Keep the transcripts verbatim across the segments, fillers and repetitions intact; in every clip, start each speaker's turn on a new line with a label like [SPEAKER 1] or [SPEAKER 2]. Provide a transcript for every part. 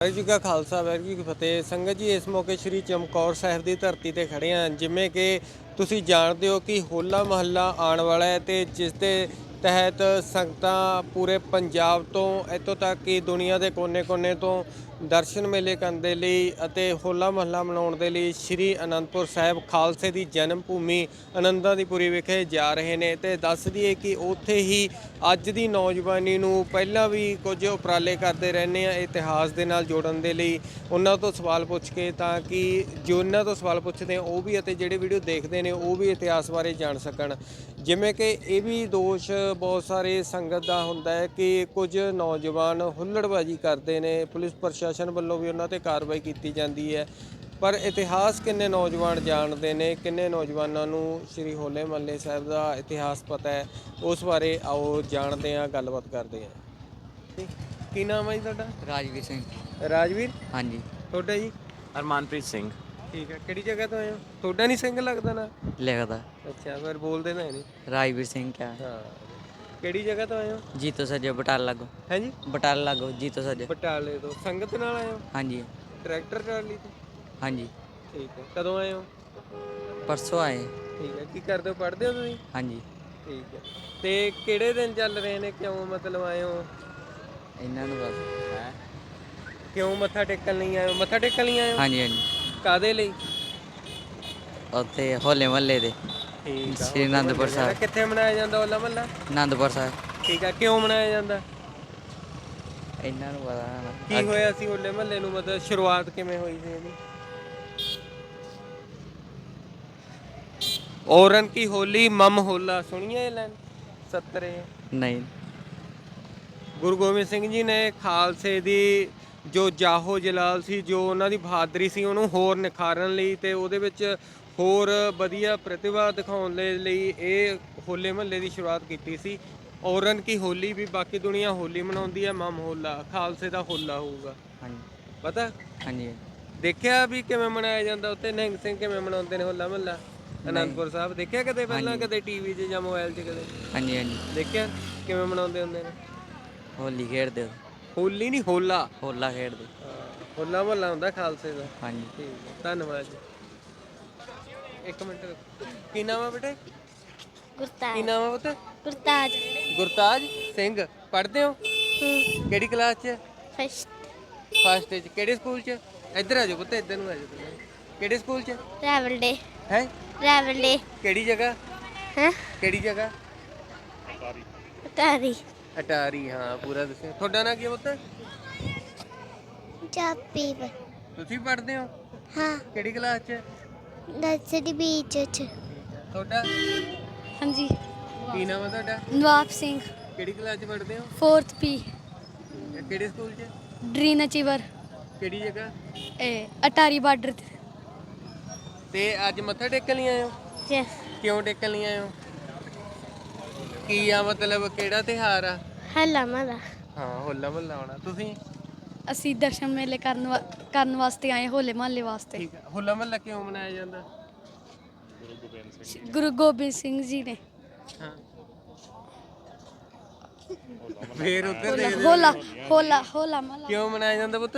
[SPEAKER 1] ਵਾਹਿਗੁਰੂ ਜੀ ਕਾ ਖਾਲਸਾ ਵਾਹਿਗੁਰੂ ਜੀ ਕੀ ਫਤਿਹ। ਸੰਗਤ ਜੀ, ਇਸ ਮੌਕੇ ਸ਼੍ਰੀ ਚਮਕੌਰ ਸਾਹਿਬ ਦੀ ਧਰਤੀ ਤੇ ਖੜੇ ਹਾਂ। ਜਿਵੇਂ ਕਿ ਤੁਸੀਂ ਜਾਣਦੇ ਹੋ ਕਿ ਹੋਲਾ ਮਹੱਲਾ ਆਉਣ ਵਾਲਾ ਹੈ ਅਤੇ ਜਿਸ ਦੇ ਤਹਿਤ ਸੰਗਤਾਂ ਪੂਰੇ ਪੰਜਾਬ ਤੋਂ ਇੱਥੋਂ ਤੱਕ ਕਿ ਦੁਨੀਆ ਦੇ ਕੋਨੇ-ਕੋਨੇ ਤੋਂ ਦਰਸ਼ਨ ਮੇਲੇ ਕਰਨ ਦੇ ਲਈ ਅਤੇ ਹੋਲਾ ਮਹੱਲਾ ਮਨਾਉਣ ਦੇ ਲਈ ਸ਼੍ਰੀ ਅਨੰਦਪੁਰ ਸਾਹਿਬ ਖਾਲਸੇ ਦੀ ਜਨਮ ਭੂਮੀ ਆਨੰਦਾਂ ਦੀ ਪੁਰੀ ਵਿਖੇ ਜਾ ਰਹੇ ਨੇ। ਅਤੇ ਦੱਸ ਦਈਏ ਕਿ ਉੱਥੇ ਹੀ ਅੱਜ ਦੀ ਨੌਜਵਾਨੀ ਨੂੰ ਪਹਿਲਾਂ ਵੀ ਕੁਝ ਉਪਰਾਲੇ ਕਰਦੇ ਰਹਿੰਦੇ ਆ ਇਤਿਹਾਸ ਦੇ ਨਾਲ ਜੋੜਨ ਦੇ ਲਈ। ਉਹਨਾਂ ਤੋਂ ਸਵਾਲ ਪੁੱਛ ਕੇ ਤਾਂ ਕਿ ਜੋ ਉਹਨਾਂ ਤੋਂ ਸਵਾਲ ਪੁੱਛਦੇ ਆ ਉਹ ਵੀ ਅਤੇ ਜਿਹੜੇ ਵੀਡੀਓ ਦੇਖਦੇ ਨੇ ਉਹ ਵੀ ਇਤਿਹਾਸ ਬਾਰੇ ਜਾਣ ਸਕਣ। ਜਿਵੇਂ ਕਿ ਇਹ ਵੀ ਦੋਸ਼ ਬਹੁਤ ਸਾਰੇ ਸੰਗਤ ਦਾ ਹੁੰਦਾ ਹੈ ਕਿ ਕੁਝ ਨੌਜਵਾਨ ਹੁੱਲੜਬਾਜ਼ੀ ਕਰਦੇ ਨੇ, ਪੁਲਿਸ ਪ੍ਰਸ਼ਾਸਨ ਵੱਲੋਂ ਵੀ ਉਹਨਾਂ 'ਤੇ ਕਾਰਵਾਈ ਕੀਤੀ ਜਾਂਦੀ ਹੈ। ਪਰ ਇਤਿਹਾਸ ਕਿੰਨੇ ਨੌਜਵਾਨ ਜਾਣਦੇ ਨੇ, ਕਿੰਨੇ ਨੌਜਵਾਨਾਂ ਨੂੰ ਸ਼੍ਰੀ ਹੋਲੇ ਮਹੱਲੇ ਸਾਹਿਬ ਦਾ ਇਤਿਹਾਸ ਪਤਾ ਹੈ, ਉਸ ਬਾਰੇ ਆਓ ਜਾਣਦੇ ਹਾਂ, ਗੱਲਬਾਤ ਕਰਦੇ ਹਾਂ। ਕੀ ਨਾਮ ਹੈ ਜੀ ਤੁਹਾਡਾ?
[SPEAKER 2] ਰਾਜਵੀਰ ਸਿੰਘ।
[SPEAKER 1] ਰਾਜਵੀਰ?
[SPEAKER 2] ਹਾਂਜੀ।
[SPEAKER 1] ਤੁਹਾਡਾ ਜੀ?
[SPEAKER 3] ਅਰਮਾਨਪ੍ਰੀਤ ਸਿੰਘ।
[SPEAKER 1] ਠੀਕ ਹੈ। ਕਿਹੜੀ ਜਗ੍ਹਾ ਤੋਂ ਆਏ ਹੋ? ਤੁਹਾਡਾ ਨਹੀਂ ਸਿੰਘ ਲੱਗਦਾ ਨਾ?
[SPEAKER 2] ਲਿਖਦਾ।
[SPEAKER 1] ਅੱਛਾ, ਫਿਰ ਬੋਲਦੇ ਨਾ ਨਹੀਂ।
[SPEAKER 2] ਰਾਜਵੀਰ ਸਿੰਘ ਕਿਆ?
[SPEAKER 1] ਹਾਂ। ਕਿਹੜੀ ਜਗ੍ਹਾ ਤੋਂ ਆਏ ਹੋ?
[SPEAKER 2] ਜੀਤੋ ਸੱਜੇ ਬਟਾਲਾ ਲਾਗੋ।
[SPEAKER 1] ਹੈ ਜੀ?
[SPEAKER 2] ਬਟਾਲਾ ਲਾਗੋ ਜੀਤੋ ਸੱਜੇ।
[SPEAKER 1] ਬਟਾਲੇ ਤੋਂ। ਸੰਗਤ ਨਾਲ ਆਏ ਹੋ?
[SPEAKER 2] ਹਾਂਜੀ।
[SPEAKER 1] ਟਰੈਕਟਰ ਟਰਾਲੀ ਤੋਂ?
[SPEAKER 2] ਹਾਂਜੀ।
[SPEAKER 1] ਠੀਕ ਹੈ। ਕਦੋਂ ਆਏ ਹੋ?
[SPEAKER 2] ਪਰਸੋਂ ਆਏ।
[SPEAKER 1] ਠੀਕ ਹੈ। ਕੀ ਕਰਦੇ ਹੋ, ਪੜ੍ਹਦੇ ਹੋ ਤੁਸੀਂ?
[SPEAKER 2] ਹਾਂਜੀ।
[SPEAKER 1] ਠੀਕ ਹੈ। ਤੇ ਕਿਹੜੇ ਦਿਨ ਚੱਲ ਰਹੇ ਨੇ, ਕਿਉਂ ਮਤਲਬ ਆਏ ਹੋ?
[SPEAKER 2] ਇਹਨਾਂ ਨੂੰ ਬਸ ਹੈ।
[SPEAKER 1] ਕਿਉਂ ਮੱਥਾ ਟੇਕਣ ਲਈ ਆਏ ਹੋ? ਮੱਥਾ ਟੇਕਣ ਲਈ ਆਏ ਹੋ?
[SPEAKER 2] ਹਾਂਜੀ ਹਾਂਜੀ।
[SPEAKER 1] ਕਾਹਦੇ ਲਈ?
[SPEAKER 2] ਉੱਥੇ ਹੋਲੇ ਮਹੱਲੇ ਦੇ
[SPEAKER 1] ਠੀਕ ਆ।
[SPEAKER 2] ਸ਼੍ਰੀ ਅਨੰਦਪੁਰ ਸਾਹਿਬ।
[SPEAKER 1] ਕਿੱਥੇ ਮਨਾਇਆ ਜਾਂਦਾ ਹੋਲਾ ਮਹੱਲਾ?
[SPEAKER 2] ਅਨੰਦਪੁਰ ਸਾਹਿਬ।
[SPEAKER 1] ਠੀਕ ਆ। ਕਿਉਂ ਮਨਾਇਆ ਜਾਂਦਾ?
[SPEAKER 2] ਇਹਨਾਂ ਨੂੰ ਪਤਾ ਹੋਣਾ।
[SPEAKER 1] ਕੀ ਹੋਇਆ ਸੀ ਹੋਲੇ ਮਹੱਲੇ ਨੂੰ, ਮਤਲਬ ਸ਼ੁਰੂਆਤ ਕਿਵੇਂ ਹੋਈ ਸੀ ਇਹਦੀ? ਔਰਨ ਕੀ ਹੋਲੀ ਮਮ ਹੋਲਾ, ਸੁਣੀਏ ਇਹ ਲਾਈਨ? ਸੱਤਰੇ।
[SPEAKER 2] ਨਹੀਂ।
[SPEAKER 1] ਗੁਰੂ ਗੋਬਿੰਦ ਸਿੰਘ ਜੀ ਨੇ ਖਾਲਸੇ ਦੀ ਜੋ ਜਾਹੋ ਜਲਾਲ ਸੀ, ਜੋ ਉਹਨਾਂ ਦੀ ਬਹਾਦਰੀ ਸੀ, ਉਹਨੂੰ ਹੋਰ ਨਿਖਾਰਨ ਲਈ ਅਤੇ ਉਹਦੇ ਵਿੱਚ ਹੋਰ ਵਧੀਆ ਪ੍ਰਤਿਭਾ ਦਿਖਾਉਣ ਦੇ ਲਈ ਇਹ ਹੋਲੇ ਮਹੱਲੇ ਦੀ ਸ਼ੁਰੂਆਤ ਕੀਤੀ ਸੀ। ਔਰਨ ਕੀ ਹੋਲੀ ਵੀ ਬਾਕੀ ਦੁਨੀਆ ਹੋਲੀ ਮਨਾਉਂਦੀ ਹੈ, ਮਮ ਹੋਲਾ ਖਾਲਸੇ ਦਾ ਹੋਲਾ ਹੋਊਗਾ।
[SPEAKER 2] ਹਾਂਜੀ।
[SPEAKER 1] ਪਤਾ?
[SPEAKER 2] ਹਾਂਜੀ।
[SPEAKER 1] ਦੇਖਿਆ ਵੀ ਕਿਵੇਂ ਮਨਾਇਆ ਜਾਂਦਾ ਉੱਥੇ? ਨਿਹੰਗ ਸਿੰਘ ਕਿਵੇਂ ਮਨਾਉਂਦੇ ਨੇ ਹੋਲਾ ਮਹੱਲਾ ਅਨੰਦਪੁਰ ਸਾਹਿਬ? ਦੇਖਿਆ ਕਦੇ ਪਹਿਲਾਂ, ਕਦੇ ਟੀਵੀ 'ਚ ਜਾਂ ਮੋਬਾਈਲ 'ਚ ਕਦੇ?
[SPEAKER 2] ਹਾਂਜੀ ਹਾਂਜੀ।
[SPEAKER 1] ਦੇਖਿਆ ਕਿਵੇਂ ਮਨਾਉਂਦੇ ਹੁੰਦੇ ਨੇ?
[SPEAKER 2] ਹੋਲੀ ਖੇਡਦੇ।
[SPEAKER 1] ਹੋਲੀ ਨਹੀਂ, ਹੋਲਾ।
[SPEAKER 2] ਹੋਲਾ ਖੇਡਦੇ।
[SPEAKER 1] ਹੋਲਾ ਮਹੱਲਾ ਹੁੰਦਾ ਖਾਲਸੇ ਦਾ।
[SPEAKER 2] ਹਾਂਜੀ।
[SPEAKER 1] ਠੀਕ ਹੈ, ਧੰਨਵਾਦ ਜੀ। ਇੱਕ ਮਿੰਟ। ਕੀ ਨਾਮ ਆ ਬੇਟੇ?
[SPEAKER 4] ਗੁਰਤਾਜ।
[SPEAKER 1] ਕੀ ਨਾਮ ਆ ਪੁੱਤ?
[SPEAKER 4] ਗੁਰਤਾਜ।
[SPEAKER 1] ਗੁਰਤਾਜ ਸਿੰਘ। ਪੜ੍ਹਦੇ ਹੋ? ਕਿਹੜੀ ਕਲਾਸ 'ਚ?
[SPEAKER 4] ਫਸਟ।
[SPEAKER 1] ਫਸਟ 'ਚ। ਕਿਹੜੇ ਸਕੂਲ 'ਚ? ਇੱਧਰ ਆ ਜਾਓ ਪੁੱਤ, ਇੱਧਰ ਨੂੰ ਆ ਜਾਓ। ਕਿਹੜੇ ਸਕੂਲ 'ਚ?
[SPEAKER 4] ਰੈਵਲ ਡੇ।
[SPEAKER 1] ਹੈ?
[SPEAKER 4] ਰੈਵਲ ਡੇ।
[SPEAKER 1] ਕਿਹੜੀ ਜਗ੍ਹਾ?
[SPEAKER 4] ਹੈ?
[SPEAKER 1] ਕਿਹੜੀ ਜਗ੍ਹਾ?
[SPEAKER 4] ਤਾਰੀ।
[SPEAKER 1] ਅਟਾਰੀ। ਹਾਂ, ਪੂਰਾ ਦੱਸਿਓ। ਤੁਹਾਡਾ ਨਾਂ ਕੀ ਹੈ ਪੁੱਤ?
[SPEAKER 4] ਚਾਪੀ।
[SPEAKER 1] ਤੁਸੀਂ ਪੜ੍ਹਦੇ ਹੋ?
[SPEAKER 4] ਹਾਂ।
[SPEAKER 1] ਕਿਹੜੀ ਕਲਾਸ 'ਚ?
[SPEAKER 4] ਨਰਸਰੀ ਬੀਚ ਚ।
[SPEAKER 1] ਤੁਹਾਡਾ
[SPEAKER 5] ਹਾਂਜੀ।
[SPEAKER 1] ਕੀ ਨਾਮ ਹੈ ਤੁਹਾਡਾ?
[SPEAKER 5] ਨਵਾਬ ਸਿੰਘ।
[SPEAKER 1] ਕਿਹੜੀ ਕਲਾਸ 'ਚ ਪੜ੍ਹਦੇ ਹੋ?
[SPEAKER 5] Fourth P.
[SPEAKER 1] ਕਿਹੜੇ ਸਕੂਲ 'ਚ?
[SPEAKER 5] Dream achiever.
[SPEAKER 1] ਕਿਹੜੀ ਜਗ੍ਹਾ?
[SPEAKER 5] ਇਹ ਅਟਾਰੀ ਬਾਰਡਰ ਤੇ।
[SPEAKER 1] ਤੇ ਅੱਜ ਮੱਥਾ ਟੇਕਣ ਲਈ ਆਏ ਹੋ?
[SPEAKER 4] ਯੈਸ।
[SPEAKER 1] ਕਿਉਂ ਟੇਕਣ ਲਈ ਆਏ ਹੋ? ਕੀ ਆ ਮਤਲਬ, ਕਿਹੜਾ ਤਿਉਹਾਰ ਆ?
[SPEAKER 4] ਹੱਲਾ ਮਹੱਲਾ।
[SPEAKER 1] ਹਾਂ, ਹੋਲਾ ਮਹੱਲਾ ਆਉਣਾ। ਤੁਸੀਂ?
[SPEAKER 5] ਅਸੀਂ ਦਰਸ਼ਨ ਮੇਲੇ ਕਰਨ ਵਾ- ਕਰਨ ਵਾਸਤੇ ਆਏ, ਹੋਲੇ ਮਹੱਲੇ ਵਾਸਤੇ।
[SPEAKER 1] ਠੀਕ ਹੈ। ਹੋਲਾ ਮਹੱਲਾ ਕਿਉਂ ਮਨਾਇਆ ਜਾਂਦਾ?
[SPEAKER 5] ਗੁਰੂ ਗੋਬਿੰਦ ਸਿੰਘ ਜੀ ਨੇ।
[SPEAKER 1] ਹਾਂ। ਫੇਰ ਉੱਧਰ ਦੇ
[SPEAKER 5] ਹੋਲਾ ਹੋਲਾ ਹੋਲਾ ਮਹੱਲਾ
[SPEAKER 1] ਕਿਉਂ ਮਨਾਇਆ ਜਾਂਦਾ ਪੁੱਤ?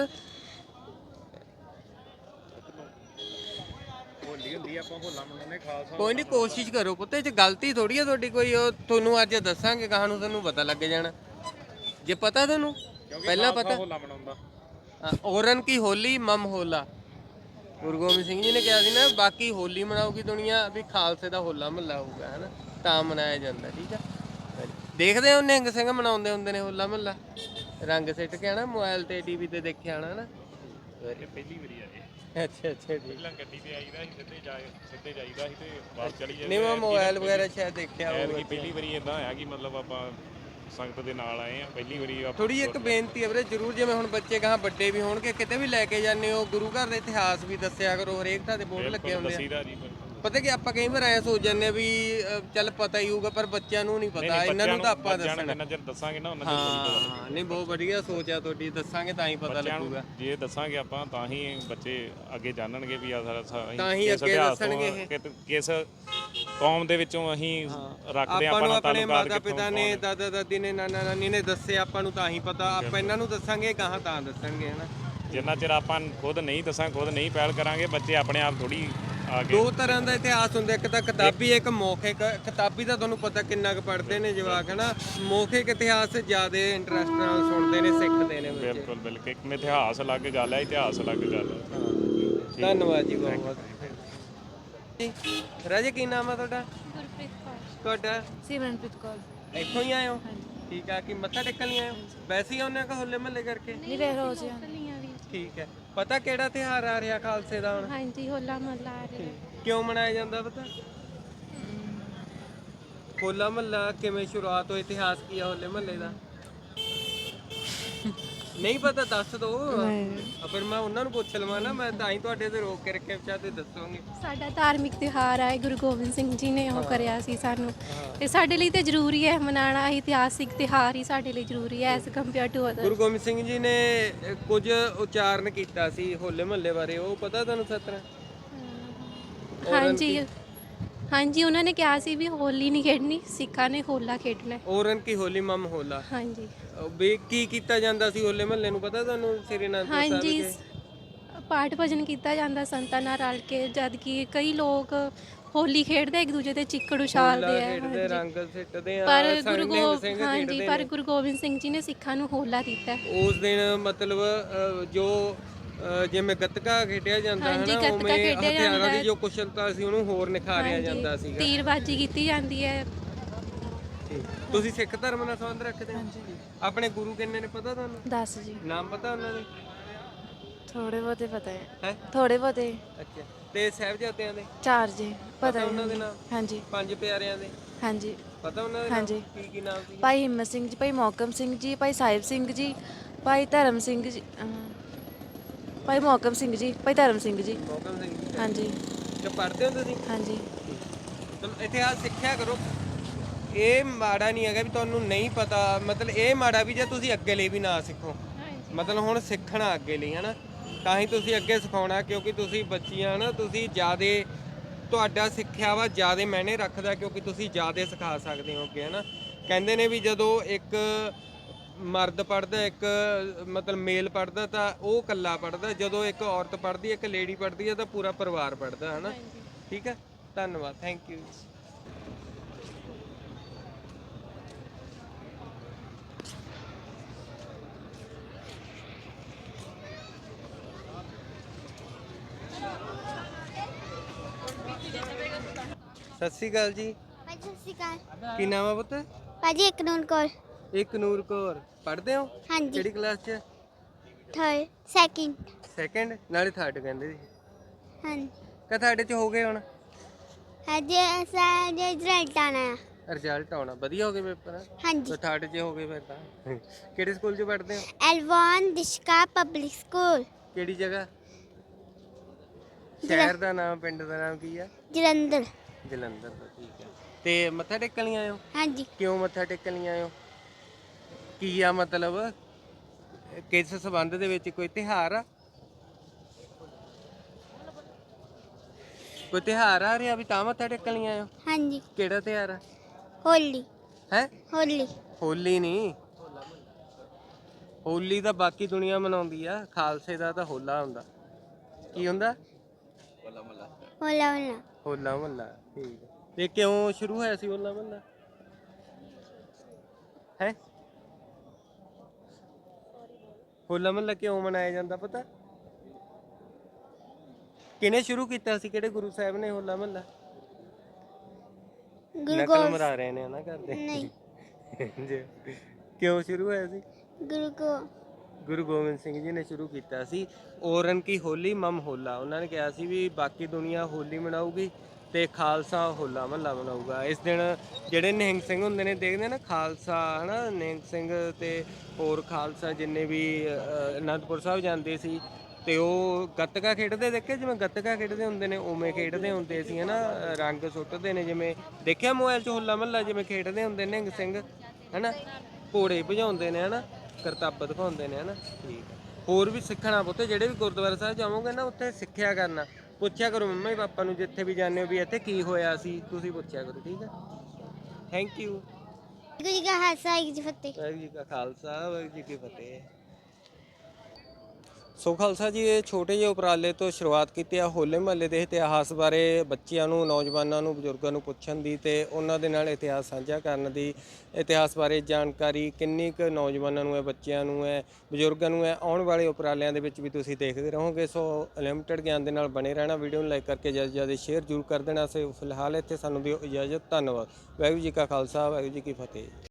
[SPEAKER 1] ਕੋਈ ਨਹੀਂ, ਕੋਸ਼ਿਸ਼ ਕਰੋ ਪੁੱਤ, ਇਹ 'ਚ ਗਲਤੀ ਥੋੜੀ ਆ ਤੁਹਾਡੀ ਕੋਈ। ਉਹ ਤੁਹਾਨੂੰ ਅੱਜ ਦੱਸਾਂਗੇ, ਕਹਾਂ ਨੂੰ ਤੁਹਾਨੂੰ ਪਤਾ ਲੱਗ ਜਾਣਾ ਜੇ ਪਤਾ ਤੁਹਾਨੂੰ ਪਹਿਲਾਂ ਪਤਾ। ਔਰਨ ਕੀ ਹੋਲੀ ਮਮ ਹੋਲਾ, ਗੁਰੂ ਗੋਬਿੰਦ ਸਿੰਘ ਜੀ ਨੇ ਕਿਹਾ ਸੀ ਨਾ, ਬਾਕੀ ਹੋਲੀ ਮਨਾਉਗੀ ਦੁਨੀਆ, ਵੀ ਖਾਲਸੇ ਦਾ ਹੋਲਾ ਮਹੱਲਾ ਹੋਊਗਾ, ਹੈ ਨਾ, ਤਾਂ ਮਨਾਇਆ ਜਾਂਦਾ। ਠੀਕ ਆ। ਦੇਖਦੇ ਹੋ ਨਿਹੰਗ ਸਿੰਘ ਮਨਾਉਂਦੇ ਹੁੰਦੇ ਨੇ ਹੋਲਾ ਮਹੱਲਾ, ਰੰਗ ਸਿੱਟ ਕੇ ਆਣਾ, ਮੋਬਾਈਲ ਤੇ ਟੀਵੀ ਤੇ ਦੇਖਿਆ ਆਣਾ ਨਾ।
[SPEAKER 3] ਪਹਿਲੀ ਵਾਰੀ ਆਏ।
[SPEAKER 1] ਅੱਛਾ ਅੱਛਾ। ਠੀਕ।
[SPEAKER 3] ਪਹਿਲਾਂ ਗੱਡੀ ਤੇ ਆਈਦਾ ਸੀ, ਸਿੱਧੇ ਜਾ ਸਿੱਧੇ ਜਾਈਦਾ ਸੀ ਤੇ ਵਾਪਸ ਚਲੀ ਜਾਂਦੇ।
[SPEAKER 1] ਨਹੀਂ, ਮੈਂ ਮੋਬਾਈਲ ਵਗੈਰਾ ਸ਼ਾਇਦ ਦੇਖਿਆ ਹੋਊਗਾ।
[SPEAKER 3] ਕਿ ਪਹਿਲੀ ਵਾਰੀ ਇਦਾਂ ਹੋਇਆ ਕਿ ਮਤਲਬ ਆਪਾਂ ਸੰਗਤ ਦੇ ਨਾਲ ਆਏ ਆ, ਪਹਿਲੀ ਵਾਰੀ।
[SPEAKER 1] ਥੋੜੀ ਇੱਕ ਬੇਨਤੀ ਹੈ ਵੀਰੇ, ਜ਼ਰੂਰ, ਜਿਵੇਂ ਹੁਣ ਬੱਚੇ ਕਹਾਂ ਵੱਡੇ ਵੀ ਹੋਣਗੇ, ਕਿਤੇ ਵੀ ਲੈ ਕੇ ਜਾਂਦੇ ਹੋ, ਗੁਰੂ ਘਰ ਦਾ ਇਤਿਹਾਸ ਵੀ ਦੱਸਿਆ ਕਰੋ। ਹਰੇਕ ਥਾਂ ਤੇ ਬੋਰਡ ਲੱਗੇ ਹੁੰਦੇ ਆ। ਪਤਾ ਕਿ ਆਪਾਂ ਕਈ ਵਾਰ ਐ ਸੋਚ ਜਾਂਦੇ ਆ ਵੀ ਚੱਲ ਪਤਾ ਹੀ ਹੋਊਗਾ, ਪਰ ਬੱਚਿਆਂ ਨੂੰ ਨਹੀਂ ਪਤਾ, ਇਹਨਾਂ ਨੂੰ ਤਾਂ ਆਪਾਂ ਦੱਸਣਾ।
[SPEAKER 3] ਜਿੰਨਾ ਚਿਰ ਦੱਸਾਂਗੇ ਨਾ ਉਹਨਾਂ
[SPEAKER 1] ਹਾਂ, ਨਹੀਂ ਬਹੁਤ ਵਧੀਆ ਸੋਚ ਆ ਤੁਹਾਡੀ, ਦੱਸਾਂਗੇ ਤਾਂ ਹੀ ਪਤਾ ਲੱਗੂਗਾ।
[SPEAKER 3] ਜੇ ਦੱਸਾਂਗੇ ਆਪਾਂ ਤਾਂ ਹੀ ਬੱਚੇ ਅੱਗੇ ਜਾਣਨਗੇ ਵੀ ਆ ਸਾਰਾ,
[SPEAKER 1] ਤਾਂ ਹੀ ਅੱਗੇ ਦੱਸਣਗੇ ਇਹ।
[SPEAKER 3] ਕਿਸ ਕੌਮ ਦੇ ਵਿੱਚੋਂ ਅਸੀਂ ਰੱਖਦੇ
[SPEAKER 1] ਆਪਾਂ ਨੂੰ
[SPEAKER 3] ਆਪਣਾ
[SPEAKER 1] ਆਪਣੇ
[SPEAKER 3] ਤਾਲੁਕਾਤ।
[SPEAKER 1] ਮਾਤਾ ਪਿਤਾ ਨੇ, ਦਾਦਾ ਦਾਦੀ ਨੇ, ਨਾਨਾ ਨਾਨੀ ਨੇ ਦੱਸੇ, ਆਪਾਂ ਨੂੰ ਤਾਂ ਹੀ ਪਤਾ। ਆਪਾਂ ਇਹਨਾਂ ਨੂੰ ਦੱਸਾਂਗੇ, ਗਾਹਾਂ ਤਾਂ ਦੱਸਣਗੇ, ਹਨਾ।
[SPEAKER 3] ਜਿੰਨਾ ਚਿਰ ਆਪਾਂ ਖੁਦ ਨਹੀਂ ਦੱਸਾਂ ਖੁਦ ਨਹੀਂ ਪਹਿਲ ਕਰਾਂਗੇ ਬੱਚੇ ਆਪਣੇ ਆਪ ਥੋੜੀ ਆ ਕੇ
[SPEAKER 1] ਦੋ ਤਰ੍ਹਾਂ ਦਾ ਇਤਿਹਾਸ ਹੁੰਦਾ, ਇੱਕ ਤਾਂ ਕਿਤਾਬੀ, ਇੱਕ ਮੌਖਿਕ। ਕਿਤਾਬੀ ਤਾਂ ਤੁਹਾਨੂੰ ਪਤਾ ਕਿੰਨਾ ਕੁ ਪੜ੍ਹਦੇ ਨੇ ਜਵਾਕ, ਹੈ ਨਾ। ਮੌਖਿਕ ਇਤਿਹਾਸ ਜ਼ਿਆਦਾ ਇੰਟਰਸਟ ਨਾਲ ਸੁਣਦੇ ਨੇ, ਸਿੱਖਦੇ ਨੇ ਬੱਚੇ।
[SPEAKER 3] ਬਿਲਕੁਲ ਬਿਲਕੁਲ ਇੱਕ ਇਤਿਹਾਸ ਅਲੱਗ ਗੱਲ ਹੈ, ਇਤਿਹਾਸ ਅਲੱਗ ਗੱਲ ਹੈ।
[SPEAKER 1] ਧੰਨਵਾਦ ਜੀ ਬਹੁਤ ਬਹੁਤ ਜੀ। ਰਾਜੇ ਕੀ ਨਾਮ ਆ ਤੁਹਾਡਾ?
[SPEAKER 5] ਗੁਰਪ੍ਰੀਤ ਕੌਰ।
[SPEAKER 1] ਤੁਹਾਡਾ?
[SPEAKER 5] ਸਿਮਰਨਪ੍ਰੀਤ ਕੌਰ।
[SPEAKER 1] ਇੱਥੋਂ ਹੀ ਆਏ ਹੋ? ਠੀਕ ਆ। ਕੀ ਮੱਥਾ ਟੇਕਣ ਲਈ ਆਏ ਹੋ? ਵੈਸੇ ਹੀ ਆਉਂਦੇ ਹੋ ਕਿ ਹੋਲੇ ਮਹੱਲੇ ਕਰਕੇ?
[SPEAKER 5] ਨਹੀਂ ਵੇ ਰੋਜ਼
[SPEAKER 1] ਠੀਕ ਹੈ। ਪਤਾ ਕਿਹੜਾ ਤਿਉਹਾਰ ਆ ਰਿਹਾ ਖਾਲਸੇ ਦਾ ਹੁਣ?
[SPEAKER 5] ਹਾਂਜੀ ਹੋਲਾ ਮਹੱਲਾ ਆ ਰਿਹਾ।
[SPEAKER 1] ਕਿਉਂ ਮਨਾਇਆ ਜਾਂਦਾ ਪਤਾ? ਹੋਲਾ ਮਹੱਲਾ ਕਿਵੇਂ ਸ਼ੁਰੂਆਤ ਹੋਈ, ਇਤਿਹਾਸ ਕੀ ਆ ਹੋਲੇ ਮਹੱਲੇ ਦਾ? ਨਹੀਂ ਪਤਾ? ਦੱਸ ਦੋ। ਫਿਰ ਮੈਂ ਉਹਨਾਂ ਨੂੰ ਪੁੱਛ ਲਵਾਂ ਨਾ, ਮੈਂ ਤਾਂ ਹੀ ਤੁਹਾਡੇ ਤੇ ਰੋਕ ਕੇ ਰੱਖਿਆ, ਵਿਚਾਰ ਤੇ ਦੱਸੋਗੇ।
[SPEAKER 6] ਸਾਡਾ ਧਾਰਮਿਕ ਤਿਉਹਾਰ ਹੈ, ਗੁਰੂ ਗੋਬਿੰਦ ਸਿੰਘ ਜੀ ਨੇ ਉਹ ਕਰਿਆ ਸੀ ਸਾਨੂੰ, ਤੇ ਸਾਡੇ ਲਈ ਤੇ ਜ਼ਰੂਰੀ ਹੈ ਮਨਾਉਣਾ। ਇਤਿਹਾਸਿਕ ਤਿਉਹਾਰ ਹੀ ਸਾਡੇ ਲਈ ਜ਼ਰੂਰੀ ਹੈ as compare to other.
[SPEAKER 1] Guru Gobind Singh ji ਨੇ ਅ, ਕੁਝ ਉਚਾਰਨ ਕੀਤਾ ਸੀ ਹੋਲੇ ਮਹੱਲੇ ਬਾਰੇ, ਉਹ ਪਤਾ ਤੁਹਾਨੂੰ ਸਤਰਾ?
[SPEAKER 6] ਹਾਂਜੀ ਹਾਂਜੀ, ਉਹਨਾਂ ਨੇ ਕਿਹਾ ਸੀ ਵੀ ਹੋਲੀ ਨਹੀਂ ਖੇਡਣੀ, ਸਿੱਖਾਂ ਨੇ ਹੋਲਾ ਖੇਡਣਾ ਹੈ।
[SPEAKER 1] ਔਰਨ ਕੀ ਹੋਲੀ ਮਮ ਹੋਲਾ।
[SPEAKER 6] ਹਾਂਜੀ
[SPEAKER 1] ਅ, ਵੀ ਕੀ ਕੀਤਾ ਜਾਂਦਾ ਸੀ ਹੋਲੇ ਮਹੱਲੇ ਨੂੰ ਪਤਾ ਤੁਹਾਨੂੰ? ਸ੍ਰੀ ਅਨੰਦਪੁਰ ਸਾਹਿਬ
[SPEAKER 6] ਹਾਂਜੀ,
[SPEAKER 1] ਵਿਖੇ
[SPEAKER 6] ਪਾਠ ਭਜਨ ਕੀਤਾ ਜਾਂਦਾ ਸੰਤਾਂ ਨਾਲ ਰਲ ਕੇ, ਜਦ ਕਿ ਕਈ ਲੋਕ ਹੋਲੀ ਖੇਡਦੇ ਇੱਕ ਦੂਜੇ ਤੇ ਚਿੱਕੜ ਉਛਾਲਦੇ
[SPEAKER 1] ਹੋਲਾ
[SPEAKER 6] ਆ।
[SPEAKER 1] ਖੇਡਦੇ,
[SPEAKER 6] ਹਾਂਜੀ।
[SPEAKER 1] ਰੰਗ ਸਿੱਟਦੇ ਆ,
[SPEAKER 6] ਪਰ
[SPEAKER 1] ਸੰਗ
[SPEAKER 6] ਗੁਰੂ
[SPEAKER 1] ਨਿਹੰਗ
[SPEAKER 6] ਗੋ
[SPEAKER 1] ਸਿੰਘ
[SPEAKER 6] ਹਾਂਜੀ
[SPEAKER 1] ਖੇਡਦੇ
[SPEAKER 6] ਪਰ
[SPEAKER 1] ਨੇ।
[SPEAKER 6] ਗੁਰੂ ਗੋਬਿੰਦ ਸਿੰਘ ਜੀ ਨੇ ਸਿੱਖਾਂ ਨੂੰ ਹੋਲਾ ਦਿੱਤਾ ਹੈ।
[SPEAKER 1] ਉਸ ਦਿਨ ਮਤਲਬ ਅ, ਜੋ ਅ, ਜਿਵੇਂ ਗੱਤਕਾ ਖੇਡਿਆ ਜਾਂਦਾ ਹੈ
[SPEAKER 6] ਹਾਂਜੀ,
[SPEAKER 1] ਨਾ,
[SPEAKER 6] ਗੱਤਕਾ
[SPEAKER 1] ਉਵੇਂ
[SPEAKER 6] ਖੇਡਿਆ
[SPEAKER 1] ਹਥਿਆਰਾਂ
[SPEAKER 6] ਜਾਂਦਾ
[SPEAKER 1] ਦੀ
[SPEAKER 6] ਹੈ।
[SPEAKER 1] ਜੋ ਕੁਸ਼ਲਤਾ ਸੀ ਉਹਨੂੰ ਹੋਰ ਨਿਖਾਰਿਆ ਜਾਂਦਾ
[SPEAKER 6] ਹਾਂਜੀ,
[SPEAKER 1] ਸੀਗਾ।
[SPEAKER 6] ਤੀਰਬਾਜੀ ਕੀਤੀ ਜਾਂਦੀ ਹੈ।
[SPEAKER 1] ਤੁਸੀਂ ਸਿੱਖ ਧਰਮ ਨਾਲ ਸੰਬੰਧ ਰੱਖਦੇ ਹੋ? ਆਪਣੇ ਗੁਰੂ ਕਿੰਨੇ ਨੇ ਪਤਾ ਤੁਹਾਨੂੰ?
[SPEAKER 5] ਦੱਸ ਜੀ।
[SPEAKER 1] ਨਾਮ ਪਤਾ ਉਹਨਾਂ ਦੇ?
[SPEAKER 5] ਥੋੜੇ ਬਹੁਤੇ ਪਤਾ ਹੈ।
[SPEAKER 1] ਹੈ
[SPEAKER 5] ਥੋੜੇ ਬਹੁਤੇ।
[SPEAKER 1] ਅੱਛਾ। ਤੇ ਸਾਹਿਬਜ਼ਾਦਿਆਂ ਦੇ
[SPEAKER 5] ਚਾਰ ਜੀ
[SPEAKER 1] ਪਤਾ ਉਹਨਾਂ ਦੇ ਨਾਮ?
[SPEAKER 5] ਹਾਂਜੀ
[SPEAKER 1] ਪੰਜ ਪਿਆਰਿਆਂ ਦੇ
[SPEAKER 5] ਹਾਂਜੀ।
[SPEAKER 1] ਪਤਾ ਉਹਨਾਂ ਦੇ ਨਾਮ?
[SPEAKER 5] ਹਾਂਜੀ।
[SPEAKER 1] ਕੀ ਕੀ ਨਾਮ ਸੀ?
[SPEAKER 5] ਭਾਈ ਹਿੰਮਤ ਸਿੰਘ ਜੀ, ਭਾਈ ਮੋਹਕਮ ਸਿੰਘ ਜੀ, ਭਾਈ ਸਾਹਿਬ ਸਿੰਘ ਜੀ, ਭਾਈ ਧਰਮ ਸਿੰਘ ਜੀ, ਅਹ, ਭਾਈ ਮੋਹਕਮ ਸਿੰਘ ਜੀ, ਭਾਈ ਧਰਮ ਸਿੰਘ ਜੀ।
[SPEAKER 1] ਮੋਹਕਮ ਸਿੰਘ ਜੀ।
[SPEAKER 5] ਹਾਂਜੀ
[SPEAKER 1] ਤੇ ਪੜ੍ਹਦੇ ਹੋ ਤੁਸੀਂ?
[SPEAKER 5] ਹਾਂਜੀ।
[SPEAKER 1] ਚਲੋ ਇਤਿਹਾਸ ਸਿੱਖਿਆ ਕਰੋ। ਇਹ ਮਾੜਾ ਨਹੀਂ ਹੈਗਾ ਵੀ ਤੁਹਾਨੂੰ ਨਹੀਂ ਪਤਾ, ਮਤਲਬ ਇਹ ਮਾੜਾ ਵੀ ਜੇ ਤੁਸੀਂ ਅੱਗੇ ਲਈ ਵੀ ਨਾ ਸਿੱਖੋ। ਮਤਲਬ ਹੁਣ ਸਿੱਖਣਾ ਅੱਗੇ ਲਈ, ਹੈ ਨਾ, ਤਾਂ ਹੀ ਤੁਸੀਂ ਅੱਗੇ ਸਿਖਾਉਣਾ, ਕਿਉਂਕਿ ਤੁਸੀਂ ਬੱਚੀਆਂ ਨਾ, ਤੁਸੀਂ ਜ਼ਿਆਦਾ ਤੁਹਾਡਾ ਸਿੱਖਿਆ ਵਾ ਜ਼ਿਆਦਾ ਮਾਇਨੇ ਰੱਖਦਾ, ਕਿਉਂਕਿ ਤੁਸੀਂ ਜ਼ਿਆਦਾ ਸਿਖਾ ਸਕਦੇ ਹੋ ਅੱਗੇ, ਹੈ ਨਾ। ਕਹਿੰਦੇ ਨੇ ਵੀ ਜਦੋਂ ਇੱਕ ਮਰਦ ਪੜ੍ਹਦਾ, ਇੱਕ ਮਤਲਬ ਮੇਲ ਪੜ੍ਹਦਾ ਤਾਂ ਉਹ ਇਕੱਲਾ ਪੜ੍ਹਦਾ, ਜਦੋਂ ਇੱਕ ਔਰਤ ਪੜ੍ਹਦੀ, ਇੱਕ ਲੇਡੀ ਪੜ੍ਹਦੀ ਹੈ ਤਾਂ ਪੂਰਾ ਪਰਿਵਾਰ ਪੜ੍ਹਦਾ, ਹੈ ਨਾ। ਠੀਕ ਹੈ, ਧੰਨਵਾਦ, ਥੈਂਕ ਯੂ। ਸਤਿ ਸ਼੍ਰੀ ਅਕਾਲ ਜੀ।
[SPEAKER 4] ਭਾਜੀ ਸਤਿ ਸ਼੍ਰੀ ਅਕਾਲ।
[SPEAKER 1] ਕੀ ਨਾਮ ਆ ਪੁੱਤ?
[SPEAKER 4] ਭਾਜੀ ਇੱਕ ਨੂਨ ਕੋਲ।
[SPEAKER 1] ਇੱਕ ਨੂਰ ਕੌਰ। ਪੜ੍ਹਦੇ ਹੋ?
[SPEAKER 4] ਹਾਂਜੀ।
[SPEAKER 1] ਕਿਹੜੀ ਕਲਾਸ 'ਚ?
[SPEAKER 4] Third second.
[SPEAKER 1] ਸੈਕੰਡ? ਨਾਲੇ ਥਰਡ ਕਹਿੰਦੇ ਸੀ।
[SPEAKER 4] ਹਾਂਜੀ।
[SPEAKER 1] ਕਾ ਤੁਹਾਡੇ 'ਚ ਹੋ ਗਏ ਹੁਣ?
[SPEAKER 4] ਹਜੇ ਅਸਾਂ ਜੇ ਰਿਜ਼ਲਟ ਆਣਾ ਆ।
[SPEAKER 1] ਰਿਜ਼ਲਟ ਆਉਣਾ? ਵਧੀਆ ਹੋ ਗਏ ਪੇਪਰ?
[SPEAKER 4] ਹਾਂਜੀ।
[SPEAKER 1] ਤਾਂ ਥਰਡ 'ਚ ਹੋ ਗਏ ਫਿਰ ਤਾਂ। ਕਿਹੜੇ ਸਕੂਲ 'ਚ ਪੜ੍ਹਦੇ ਹੋ?
[SPEAKER 4] ਐਲਵਾਨ ਦਿਸ਼ਕਾ ਪਬਲਿਕ ਸਕੂਲ
[SPEAKER 1] ਕਿਹੜੀ ਜਗ੍ਹਾ? ਸ਼ਹਿਰ ਦਾ ਨਾਮ, ਪਿੰਡ ਦਾ ਨਾਮ ਕੀ ਆ?
[SPEAKER 4] ਜਲੰਧਰ।
[SPEAKER 1] ਜਲੰਧਰ ਦਾ। ਠੀਕ ਹੈ। ਤੇ ਮੱਥਾ ਟੇਕਣ ਲਈ ਆਏ ਹੋ?
[SPEAKER 4] ਹਾਂਜੀ।
[SPEAKER 1] ਕਿਉਂ ਮੱਥਾ ਟੇਕਣ ਲਈ ਆਏ ਹੋ? ਕੀ ਆ ਮਤਲਬ ਕਿਸ ਸੰਬੰਧ ਦੇ ਵਿੱਚ? ਕੋਈ ਤਿਉਹਾਰ ਆ? ਕੋਈ ਤਿਉਹਾਰ ਆ ਰਿਹਾ ਵੀ ਤਾਂ ਮੱਥਾ ਟੇਕਣ ਲਈ ਆਏ ਹੋ?
[SPEAKER 4] ਹਾਂਜੀ।
[SPEAKER 1] ਕਿਹੜਾ ਤਿਉਹਾਰ ਆ?
[SPEAKER 4] ਹੋਲੀ।
[SPEAKER 1] ਹੈ?
[SPEAKER 4] ਹੋਲੀ।
[SPEAKER 1] ਹੋਲੀ ਨਹੀਂ, ਹੋਲੀ ਤਾਂ ਬਾਕੀ ਦੁਨੀਆ ਮਨਾਉਂਦੀ ਆ, ਖਾਲਸੇ ਦਾ ਤਾਂ ਹੋਲਾ ਹੁੰਦਾ। ਕੀ ਹੁੰਦਾ?
[SPEAKER 4] ਹੋਲਾ ਹੋਲਾ।
[SPEAKER 1] ਹੋਲਾ ਮਹੱਲਾ। ਠੀਕ ਹੈ। ਤੇ ਕਿਉਂ ਸ਼ੁਰੂ ਹੋਇਆ ਸੀ ਹੋਲਾ ਮਹੱਲਾ? ਹੈ ਹੋਲਾ ਮਹੱਲਾ ਕਿਉਂ ਮਨਾਇਆ ਜਾਂਦਾ ਪਤਾ? ਕਿਹਨੇ ਸ਼ੁਰੂ ਕੀਤਾ ਸੀ? ਕਿਹੜੇ ਗੁਰੂ ਸਾਹਿਬ ਨੇ ਹੋਲਾ ਮਹੱਲਾ?
[SPEAKER 4] ਗੁਰੂ
[SPEAKER 1] ਨਕਲ
[SPEAKER 4] ਗੋਬਿੰਦ
[SPEAKER 1] ਮਰਾ ਰਹੇ ਨੇ ਨਾ ਕਰਦੇ।
[SPEAKER 4] ਨਹੀਂ।
[SPEAKER 1] ਜੀ। ਕਿਉਂ ਸ਼ੁਰੂ ਹੋਇਆ ਸੀ?
[SPEAKER 4] ਗੁਰੂ ਕੋ
[SPEAKER 1] ਗੁਰੂ ਗੋਬਿੰਦ ਸਿੰਘ ਜੀ ਨੇ ਸ਼ੁਰੂ ਕੀਤਾ ਸੀ। ਔਰਨ ਕੀ ਹੋਲੀ ਮਮ ਹੋਲਾ। ਉਹਨਾਂ ਨੇ ਕਿਹਾ ਸੀ ਵੀ ਬਾਕੀ ਦੁਨੀਆ ਹੋਲੀ ਮਨਾਊਗੀ ਤੇ ਖਾਲਸਾ ਹੋਲਾ ਮਹੱਲਾ ਮਨਾਊਗਾ। ਇਸ ਦਿਨ ਜਿਹੜੇ ਨਿਹੰਗ ਸਿੰਘ ਹੁੰਦੇ ਨੇ, ਦੇਖਦੇ ਨਾ ਖਾਲਸਾ, ਹਨਾ, ਨਿਹੰਗ ਸਿੰਘ ਤੇ ਹੋਰ ਖਾਲਸਾ ਜਿੰਨੇ ਵੀ ਅ, ਅਨੰਦਪੁਰ ਸਾਹਿਬ ਜਾਂਦੇ ਸੀ ਤੇ ਉਹ ਗੱਤਕਾ ਖੇਡਦੇ ਦੇਖੇ, ਜਿਵੇਂ ਗੱਤਕਾ ਖੇਡਦੇ ਹੁੰਦੇ ਨੇ ਉਵੇਂ ਖੇਡਦੇ ਹੁੰਦੇ ਸੀ, ਹਨਾ। ਰੰਗ ਸੁੱਟਦੇ ਨੇ, ਜਿਵੇਂ ਦੇਖਿਆ ਮੋਬਾਈਲ 'ਚ ਹੋਲਾ ਮਹੱਲਾ ਜਿਵੇਂ ਖੇਡਦੇ ਹੁੰਦੇ ਨਿਹੰਗ ਸਿੰਘ, ਹਨਾ। ਘੋੜੇ ਭਜਾਉਂਦੇ ਨੇ, ਹਨਾ, ਕਰਤੱਬ ਦਿਖਾਉਂਦੇ ਨੇ, ਹਨਾ। ਠੀਕ ਹੈ। ਹੋਰ ਵੀ ਸਿੱਖਣਾ ਪੁੱਤ, ਜਿਹੜੇ ਵੀ ਗੁਰਦੁਆਰਾ ਸਾਹਿਬ ਜਾਵੋਗੇ ਨਾ, ਉੱਥੇ ਸਿੱਖਿਆ ਕਰਨਾ, ਪੁੱਛਿਆ ਕਰੋ ਮੰਮਾ ਜੀ ਪਾਪਾ ਨੂੰ ਜਿੱਥੇ ਵੀ ਜਾਂਦੇ ਹੋ ਵੀ ਇੱਥੇ ਕੀ ਹੋਇਆ ਸੀ, ਤੁਸੀਂ ਪੁੱਛਿਆ ਕਰੋ। ਠੀਕ ਹੈ, ਥੈਂਕ ਯੂ।
[SPEAKER 4] ਵਾਹਿਗੁਰੂ ਜੀ ਕਾ ਖਾਲਸਾ ਵਾਹਿਗੁਰੂ ਜੀ ਕੀ ਫਤਿਹ।
[SPEAKER 1] ਵਾਹਿਗੁਰੂ ਜੀ ਕਾ ਖਾਲਸਾ ਵਾਹਿਗੁਰੂ ਜੀ ਕੀ ਫਤਿਹ। ਸੋ ਖਾਲਸਾ ਜੀ, ਇਹ ਛੋਟੇ ਜਿਹੇ ਉਪਰਾਲੇ ਤੋਂ ਸ਼ੁਰੂਆਤ ਕੀਤੀ ਆ ਹੋਲੇ ਮਹੱਲੇ ਦੇ ਇਤਿਹਾਸ ਬਾਰੇ ਬੱਚਿਆਂ ਨੂੰ, ਨੌਜਵਾਨਾਂ ਨੂੰ, ਬਜ਼ੁਰਗਾਂ ਨੂੰ ਪੁੱਛਣ ਦੀ ਤੇ ਉਹਨਾਂ ਦੇ ਨਾਲ ਇਤਿਹਾਸ ਸਾਂਝਾ ਕਰਨ ਦੀ। ਇਤਿਹਾਸ ਬਾਰੇ ਜਾਣਕਾਰੀ ਕਿੰਨੀ ਕੁ ਨੌਜਵਾਨਾਂ ਨੂੰ ਹੈ, ਬੱਚਿਆਂ ਨੂੰ ਹੈ, ਬਜ਼ੁਰਗਾਂ ਨੂੰ ਹੈ, ਆਉਣ ਵਾਲੇ ਉਪਰਾਲਿਆਂ ਦੇ ਵਿੱਚ ਵੀ ਤੁਸੀਂ ਦੇਖਦੇ ਰਹੋਗੇ। ਸੋ ਅਨਲਿਮਟਿਡ ਗਿਆਨ ਦੇ ਨਾਲ ਬਣੇ ਰਹਿਣਾ। ਵੀਡੀਓ ਨੂੰ ਲਾਈਕ ਕਰਕੇ ਜ਼ਿਆਦਾ ਜ਼ਿਆਦਾ ਸ਼ੇਅਰ ਜ਼ਰੂਰ ਕਰ ਦੇਣਾ। ਸੋ ਫਿਲਹਾਲ ਇੱਥੇ ਸਾਨੂੰ ਦਿਓ ਇਜਾਜ਼ਤ। ਧੰਨਵਾਦ। ਵਾਹਿਗੁਰੂ ਜੀ ਕਾ ਖਾਲਸਾ, ਵਾਹਿਗੁਰੂ ਜੀ ਕੀ ਫਤਿਹ।